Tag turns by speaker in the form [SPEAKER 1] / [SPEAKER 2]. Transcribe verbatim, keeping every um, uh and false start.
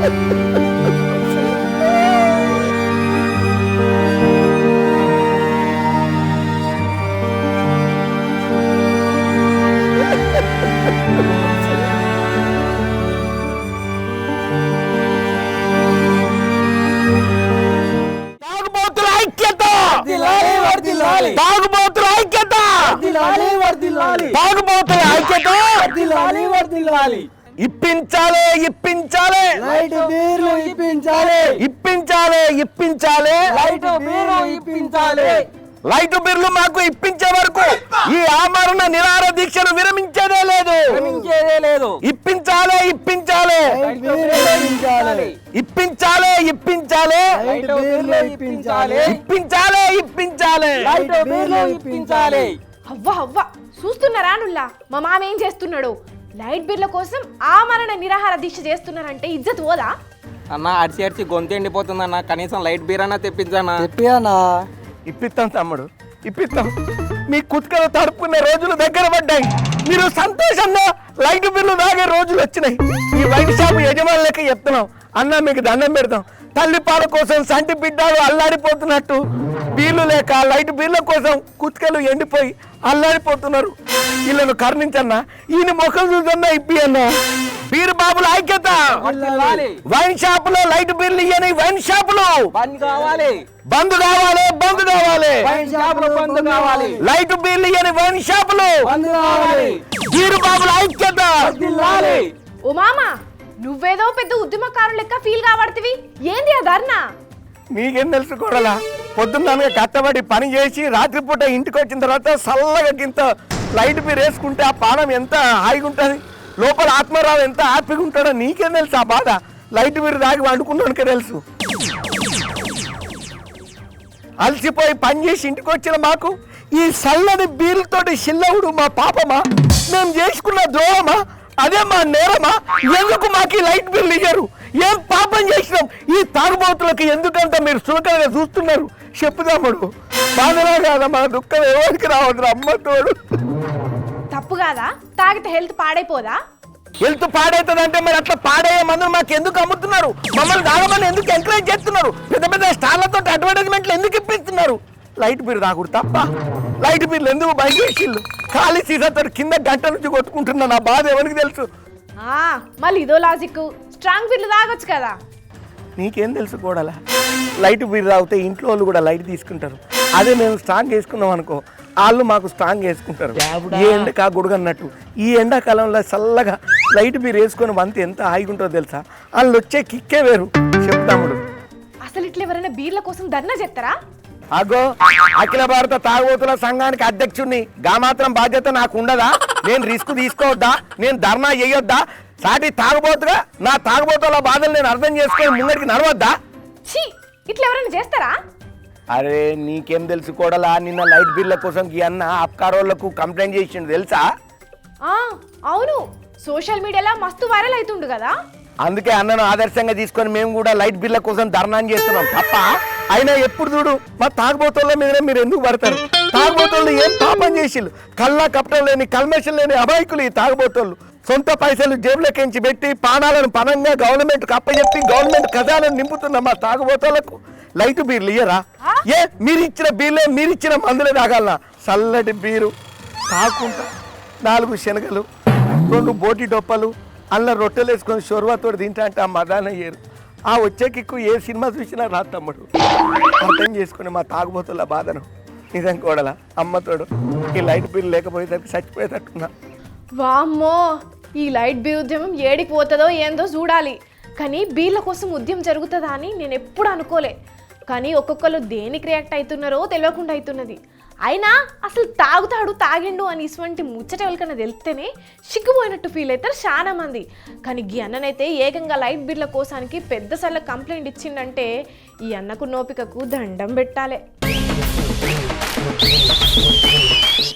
[SPEAKER 1] తాగుబోతుల ఐక్యత, తాగుబోతుల ఐక్యత ఇప్పించాలి ఇప్పించాలి
[SPEAKER 2] లైట్ బీర్లు ఇప్పించాలి
[SPEAKER 1] ఇప్పించాలి ఇప్పించాలి
[SPEAKER 2] లైట్ బీర్లు ఇప్పించాలి
[SPEAKER 1] లైట్ బిర్లు మాకు ఇప్పించే వరకు ఈ ఆమరణ నిరాహార దీక్షను విరమించేదే లేదు
[SPEAKER 2] విరమించేదే లేదు
[SPEAKER 1] ఇప్పించాలి ఇప్పించాలి
[SPEAKER 2] లైట్ బీర్లు ఇప్పించాలి
[SPEAKER 1] ఇప్పించాలి ఇప్పించాలి
[SPEAKER 2] లైట్ బీర్లు ఇప్పించాలి
[SPEAKER 1] ఇప్పించాలి ఇప్పించాలి
[SPEAKER 2] లైట్ బీర్లు ఇప్పించాలి.
[SPEAKER 3] అవ్వ అవ్వ చూస్తున్నారా నుల్లా మా మామ ఏం చేస్తున్నాడు? లైట్ బిర్ల కోసం ఆమరణ నిరాహార దీక్ష చేస్తున్నారంటే ఇజ్జత్ పోదా?
[SPEAKER 4] అన్న అడిచి అడిచి గొంతు ఎండిపోతుందన్న, కనీసం లైట్ బీర్ అన్న తెప్పించానా?
[SPEAKER 2] చెప్పానా
[SPEAKER 1] ఇప్పిస్తాం తమ్ముడు ఇప్పిస్తాం. మీ కుతుకలు తడుపుకునే రోజులు దగ్గర పడ్డాయి. మీరు సంతోషంగా లైట్ బిల్లు తాగే రోజులు వచ్చినాయి. ఈ వైన్ షాప్ యజమానులకి చెప్తున్నాం, అన్న మీకు దండం పెడతాం. తల్లి పాల కోసం సంటి బిడ్డలు అల్లాడిపోతున్నట్టు బీర్లు లేక లైట్ బీర్ల కోసం కుతుకలు ఎండిపోయి అల్లాడిపోతున్నారు. వీళ్ళను కరుణించన్నా, ఈయన మొక్కలు చూసన్నా ఇప్పి అన్న. బీర్ బాబుల ఐక్యత, వైన్ షాపులో లైట్ బీర్లు ఇయ్యని వైన్ షాపులు
[SPEAKER 4] బంద్ కావాలి,
[SPEAKER 1] బంద్ కావాలి, బంద్ కావాలి.
[SPEAKER 4] వైన్ షాపులు బంద్ కావాలి,
[SPEAKER 1] లైట్ బీర్లు ఇయ్యని వైన్ షాపులు
[SPEAKER 2] బంద్ కావాలి.
[SPEAKER 1] బీర్ బాబుల ఐక్యత.
[SPEAKER 3] ఓ మామ నువ్వేదో పెద్ద ఉద్యమకారులు లెక్క ఫీల్ కాబడుతుంది, ఏంది ఆ ధర్నా?
[SPEAKER 1] మీకేం తెలుసు కూడలా, పొద్దున్న కట్టబడి పని చేసి రాత్రిపూట ఇంటికి వచ్చిన తర్వాత చల్లగా గింత లైట్ బీర్ వేసుకుంటే ఆ పానం ఎంత హాయిగా ఉంటుంది, లోపల ఆత్మరావు ఎంత హ్యాపీగా ఉంటాడో నీకేం తెలుసు ఆ బాధ. లైట్ బీర్ దాగి వండుకున్నానికే తెలుసు. అలసిపోయి పని చేసి ఇంటికి వచ్చిన మాకు ఈ చల్లని బీర్లతోటి చిల్లవుడు మా పాపమా? మేము చేసుకున్న ద్రోహమా? అదే మా నేరమా? ఎందుకు మాకు ఈ లైట్ బిల్లు ఇయ్యరు? ఏం పాపం చేసినాం? ఈ తాగుబోతులకి ఎందుకంత మీరు చులకనగా చూస్తున్నారు? చెప్పుదాముడు బాధలా కాదా, మన దుఃఖం ఎవరికి రావద్దు. అమ్మ తోడు.
[SPEAKER 3] తప్పు కాదా? తాగితే హెల్త్ పాడైపోదా?
[SPEAKER 1] హెల్త్ పాడైతుందంటే మరి అట్లా పాడయ్యే మందులు మాకు ఎందుకు అమ్ముతున్నారు? మమ్మల్ని తాగమని ఎందుకు ఎంకరేజ్ చేస్తున్నారు? పెద్ద పెద్ద స్టార్లతో అడ్వర్టైజ్మెంట్లు ఎందుకు ఇప్పిస్తున్నారు? లైట్ బీర్ తాగుడు తప్ప లైట్ బీర్లు ఎందుకు బయట వేసిళ్ళు? ఖాళీ సీసాతో కింద గంట నుంచి కొట్టుకుంటున్నా. నా బాధ ఎవరికి తెలుసు?
[SPEAKER 3] మళ్ళీ ఇదో లాజిక్, స్ట్రాంగ్ బీర్లు తాగొచ్చు కదా.
[SPEAKER 1] నీకేం తెలుసు కూడాలా? లైట్ బీర్ తాగితే ఇంట్లో వాళ్ళు కూడా లైట్ తీసుకుంటారు. అదే మేము స్ట్రాంగ్ వేసుకున్నాం అనుకో, వాళ్ళు మాకు స్ట్రాంగ్ వేసుకుంటారు. ఈ ఎండకా గుడుగన్నట్టు ఈ ఎండాకాలంలో చల్లగా లైట్ బీర్ వేసుకొని వంత ఎంత హాయిగా ఉంటుందో తెలుసా? వాళ్ళు వచ్చే కిక్కే వేరు. చెప్తాముడు
[SPEAKER 3] అసలు ఇట్లా ఎవరైనా బీర్ల కోసం ధర్నా చేస్తారా?
[SPEAKER 1] అగో అఖిల భారత తాగుబోతుల సంఘానికి అధ్యక్షుడిని, గా మాత్రం బాధ్యత నాకు ఉండదా? నేను రిస్క్ తీసుకోవద్దా? నేను ధర్నా చేయొద్దా? సాటి తాగుబోతుగా నా తాగుబోతుల బాధలు నేను అర్థం చేసుకొని ముంగడికి నడవద్దా?
[SPEAKER 3] ఛీ, ఇట్లా ఎవరైనా చేస్తారా?
[SPEAKER 1] అరే నీకేం తెలుసు కోడలా, నిన్న లైట్ బిల్ల కోసం ఈ అన్న అప్కారోళ్లకు కంప్లైంట్ చేసిండు తెలుసా?
[SPEAKER 3] అవును, సోషల్ మీడియాలో మస్తు వైరల్ అవుతుండు కదా.
[SPEAKER 1] అందుకే అన్నను ఆదర్శంగా తీసుకొని మేము కూడా లైట్ బిల్ల కోసం ధర్నా చేస్తున్నాం తప్ప. అయినా ఎప్పుడు చూడు మా తాగుబోతుల మీద మీరు ఎందుకు పడతారు? తాగుబోతులు ఏం పాపం చేసిళ్ళు? కళ్ళ కప్పటం లేని కల్మషం లేని అమాయకులు ఈ తాగుబోతులు. సొంత పైసలు జేబులకించి పెట్టి పానాలను పనంగా గవర్నమెంట్ అప్పచెప్పి గవర్నమెంట్ ఖజానాను నింపుతున్న మా తాగుబోతులకు లైట్ బీర్లు ఇయ్యరా? ఏ మీరు ఇచ్చిన బీర్లే మీరు ఇచ్చిన మందులే తాగాలనా? చల్లటి బీరు తాకుంటా నాలుగు శనగలు రెండు బోటి డొప్పలు అల్ల రొట్టెలు వేసుకొని షోర్వాతో తింటా అంటే ఆ మదాన అయ్యారు. ఆ వచ్చే కిక్కు ఏ సినిమా చూసినా రా తమ్ముడు. అర్థం చేసుకుని మా తాగుబోతుల బాధను. నిజం కోడలా అమ్మతోడు ఈ లైట్ బిల్ లేకపోయేసరికి చచ్చిపోయేటట్టున్నా.
[SPEAKER 3] వామ్మో, ఈ లైట్ బీర్ ఉద్యమం ఏడికి పోతుందో ఏందో చూడాలి. కానీ బీర్ల కోసం ఉద్యమం జరుగుతుందా అని నేను ఎప్పుడు అనుకోలే. కానీ ఒక్కొక్కరు దేనికి రియాక్ట్ అవుతున్నారో తెలియకుండా అవుతున్నది. అయినా అసలు తాగుతాడు తాగిండు అని ఇటువంటి ముచ్చట ఎవరికన్నా తెలిస్తేనే సిగ్గుపోయినట్టు ఫీల్ అవుతారు చాలా మంది. కానీ ఈ అన్ననైతే ఏకంగా లైట్ బిర్ల కోసానికి పెద్దసార్లు కంప్లైంట్ ఇచ్చిండంటే ఈ అన్నకు నోపికకు దండం పెట్టాలి.